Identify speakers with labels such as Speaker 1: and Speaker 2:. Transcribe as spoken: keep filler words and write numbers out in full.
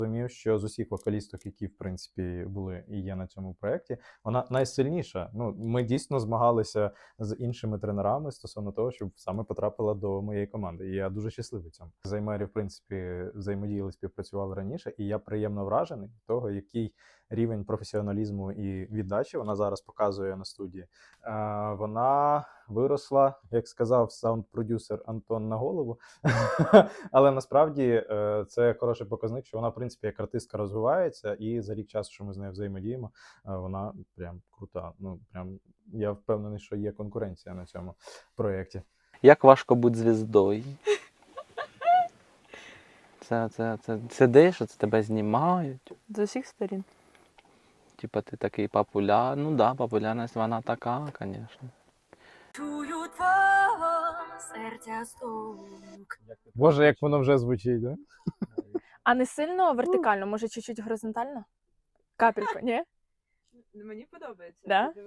Speaker 1: Розумів, що з усіх вокалісток, які в принципі були і є на цьому проєкті, вона найсильніша. Ну, ми дійсно змагалися з іншими тренерами стосовно того, щоб саме потрапила до моєї команди. І я дуже щасливий цьому. Займері, в принципі, взаємодіяли, співпрацювали раніше, і я приємно вражений від того, який рівень професіоналізму і віддачі вона зараз показує на студії. Е, вона виросла, як сказав саунд-продюсер Антон, на голову, але насправді е, це хороший показник, що вона, в принципі, як артистка розвивається, і за рік часу, що ми з нею взаємодіємо, е, вона прям крута. Ну, прям, я впевнений, що є конкуренція на цьому проєкті.
Speaker 2: Як важко бути звіздою? Це, це, це сидиш, це тебе знімають.
Speaker 3: З усіх сторін.
Speaker 2: Типа ти такий популярний. Ну да, популярність вона така, звісно.
Speaker 4: Чую твого серця стук.
Speaker 1: Боже, як воно вже звучить, да?
Speaker 3: А не сильно вертикально, може чуть-чуть горизонтально? Капельку, ні?
Speaker 5: Мені подобається.
Speaker 3: Да?